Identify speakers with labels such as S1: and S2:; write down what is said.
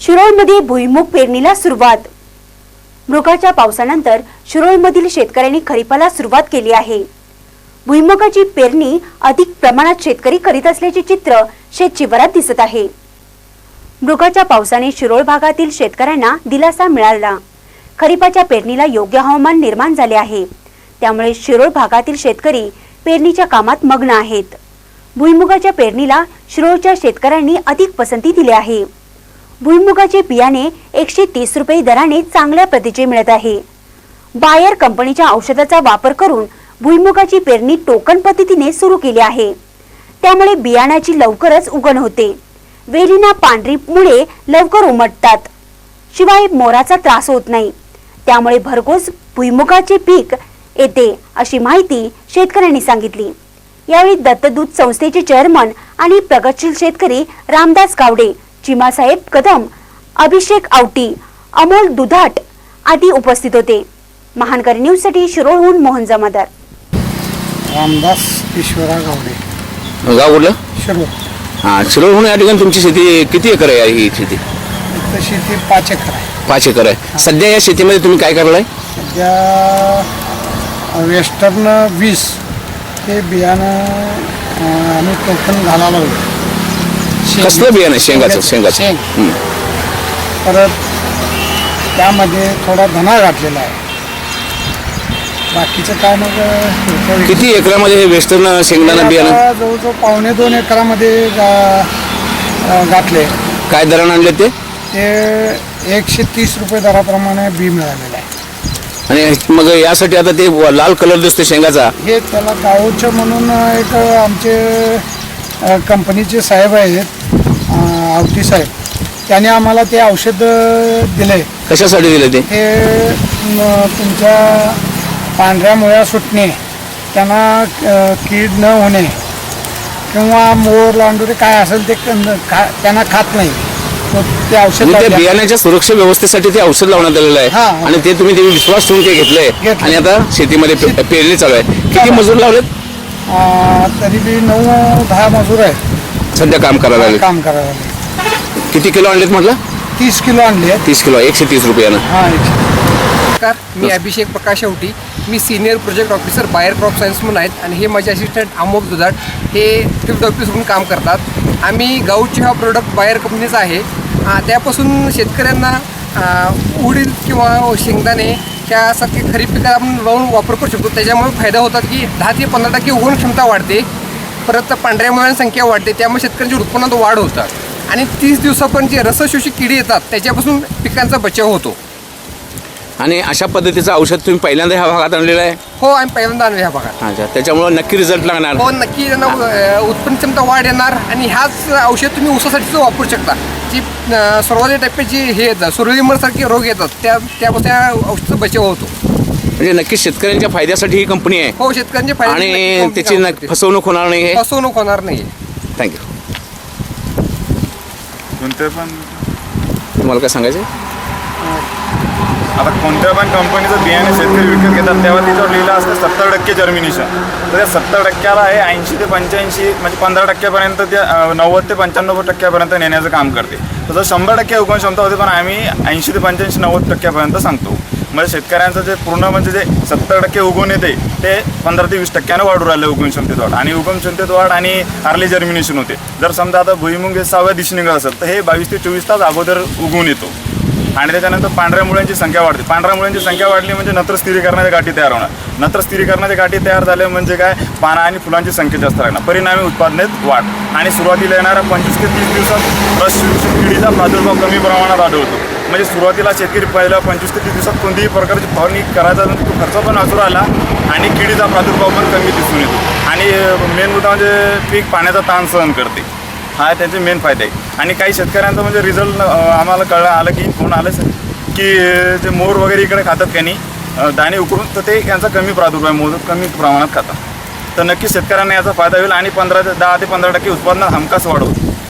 S1: शिरोळमध्ये भुईमुग पेरणीला सुरुवात। मृगाच्या पावसानंतर शिरोळमधील शेतकऱ्यांनी खरीपाला सुरुवात केली आहे। भुईमुगाची पेरणी अधिक प्रमाणात शेतकरी करीत असल्याचे चित्र शेतशिवारात दिसत आहे। मृगाच्या पावसाने शिरोळ भागातील शेतकऱ्यांना दिलासा मिळाला। खरीपाच्या पेरणीला योग्य हवामान निर्माण झाले आहे, त्यामुळे शिरोळ भागातील शेतकरी पेरणीच्या कामात मग्न आहेत। भुईमुगाच्या पेरणीला शिरोळच्या शेतकऱ्यांनी अधिक पसंती दिली आहे। भुईमुगाचे बियाणे 130 रुपये दराने चांगल्या प्रतीचे मिळत आहे। बायर कंपनीच्या औषधाचा वापर करून भुईमुगाची पेरणी टोकन पद्धतीने सुरू केली आहे, त्यामुळे बियाण्याची लवकरच उगवण होते। वेलीना पांढरीमुळे लवकर उमटतात, शिवाय मोराचा त्रास होत नाही, त्यामुळे भरघोस भुईमुगाचे पीक येते, अशी माहिती शेतकऱ्यांनी सांगितली। यावेळी दत्तदूत संस्थेचे चेअरमन आणि प्रगतशील शेतकरी रामदास गावडे, चिमासाहेब कदम, अभिषेक आवटी, अमोल दुधाट आदी उपस्थित होते। महानकरी न्यूज साठी शिरोळहून मोहन जमादार।
S2: रामदास ईश्वरा गावडे,
S3: गाव कुठलं?
S2: शिरोळ।
S3: हां, शिरोळहून या ठिकाणी तुमची शेती किती एकर आहे? ही शेती
S2: इथं शेती 5 एकर आहे।
S3: 5 एकर आहे। सध्या या शेतीमध्ये तुम्ही काय करलाय?
S2: सध्या वेस्टर्न 20 हे बियाणं आम्ही टोकन घालायला लागलो।
S3: कसलं बियाणं? शेंगाचं?
S2: शेंग। परत त्यामध्ये थोडा धना घातलेला आहे, बाकीचं काय मग।
S3: किती एकरामध्ये हे वेस्टर्न शेंगदाणा बियाणं?
S2: जवळजवळ 1.25-2 एकरामध्ये घातले।
S3: काय दराने आणले ते?
S2: 130 रुपये दराप्रमाणे बी मिळालेलं आहे।
S3: आणि मग यासाठी आता ते लाल कलर दिसतो शेंगाचा, हे
S2: त्याला गावचं म्हणून एक आमचे कंपनीचे साहेब आहेत, आवटी साहेब, त्याने आम्हाला ते औषध दिले।
S3: कशासाठी दिले ते?
S2: तुमच्या पांढऱ्या मुळ्या सुटणे, त्यांना कीड न होणे किंवा मोर लांडुरे काय असेल ते त्यांना खात नाही, ते औषध
S3: त्या बियाण्याच्या सुरक्षा व्यवस्थेसाठी ते औषध लावण्यात आलेलं आहे। आणि ते तुम्ही विश्वास ठेवून ते घेतलंय आणि आता शेतीमध्ये पेरणी चालू आहे। किती मजूर लावलेत?
S2: तरी बी 9-10 मजूर आहेत
S3: सध्या काम करायला। किती किलो आणलेत म्हटलं?
S2: 30 किलो आणले।
S3: 30 किलो 130 रुपयानं।
S4: नमस्कार, मी अभिषेक प्रकाश आवटी, मी senior project officer Bayer crop science म्हणून आहेत आणि हे माझे असिस्टंट अमोल दुधाट हे फील्ड ऑफिस म्हणून काम करतात। आम्ही गाऊची हा प्रोडक्ट बायर कंपनीचा आहे। त्यापासून शेतकऱ्यांना उडीद किंवा शेंगदाणे त्यासारखे खरीप पिकाला आपण लावून वापर करू शकतो। त्याच्यामुळे फायदा होतात की 10 ते 15% उगवण क्षमता वाढते, परत पांढऱ्या मुळ्यांची संख्या वाढते, त्यामुळे शेतकऱ्यांच्या उत्पन्नात वाढ होतात आणि 30 दिवसापर्यंत जे रसशोषी किडी येतात त्याच्यापासून पिकांचा बचाव होतो।
S3: आणि अशा पद्धतीचं औषध तुम्ही पहिल्यांदा ह्या भागात आणलेलं आहे?
S4: हो, आम्ही पहिल्यांदा आणलं ह्या भागात।
S3: अच्छा, त्याच्यामुळे नक्की रिझल्ट लागणार?
S4: हो, नक्की त्यांना उत्पन्न क्षमता वाढ येणार आणि ह्याच औषध तुम्ही ऊसासाठी वापरू शकता। जी सर्वाधिक टप्प्याची हे येतात, सुरळीमरसारखे रोग येतात, त्यापासून त्या औषधाचा बचाव होतो।
S3: म्हणजे नक्की शेतकऱ्यांच्या फायद्यासाठी ही कंपनी आहे।
S4: हो, शेतकऱ्यांच्या फायदा
S3: आणि त्याची फसवणूक होणार नाही।
S4: फसवणूक होणार नाही।
S3: थँक्यू।
S5: कोणत्या पण
S3: तुम्हाला काय सांगायचं?
S5: आता कोणत्या पण कंपनीचं बियाणे शेतकरी विकत घेतात तेव्हा तिच्यावर लिहिलं असतं 70% जर्मिनेशन, तर त्या 70%ला आहे 80 ते 85 म्हणजे 15%पर्यंत ते 90 ते 95% नेण्याचं काम करते। तसं 100% उगवण क्षमता होते, पण आम्ही 80 ते 85 90% सांगतो। म्हणजे शेतकऱ्यांचं जे पूर्ण म्हणजे जे 70% उगवून येते ते 15 ते 20% वाढू राहिलं उगवण क्षमतेत वाढ, आणि उगवण क्षमतेत वाढ आणि अर्ली जर्मिनेशन होते। जर समजा आता भुईमुग 6व्या दिवशी निघत असेल तर हे 22 ते 24 तास अगोदर उगवून येतो। आणि त्याच्यानंतर पांढऱ्या मुळ्यांची संख्या वाढते। पांढऱ्या मुळ्यांची संख्या वाढली म्हणजे नत्र स्थिरीकरणाच्या गाठी तयार होणार। नत्र स्थिरीकरणाच्या गाठी तयार झाल्या म्हणजे काय, पाना आणि फुलांची संख्या जास्त लागणार, परिणामी उत्पादनात वाढ। आणि सुरुवातीला येणाऱ्या 25 ते 30 दिवसात रसशोषक किडीचा प्रादुर्भाव कमी प्रमाणात आढळतो। म्हणजे सुरुवातीला शेतकरी पहिल्या 25 ते 30 दिवसात कोणतीही प्रकारची फवारणी करायचा तो खर्च पण वाचून आला आणि किडीचा प्रादुर्भाव पण कमी दिसून येतो। आणि मेन मुद्दा म्हणजे पीक पाण्याचा ताण सहन करते, हा त्यांचे मेन फायदे आहे। आणि काही शेतकऱ्यांचं म्हणजे रिझल्ट आम्हाला आलं की फोन आलं की जे मोर वगैरे इकडे खातात त्यांनी दाणे उकरून, तर ते यांचा कमी प्रादुर्भाव मोदक कमी प्रमाणात खातात। तर नक्कीच शेतकऱ्यांना याचा फायदा होईल आणि 10 ते 15% उत्पादनात हमखास वाढ होईल।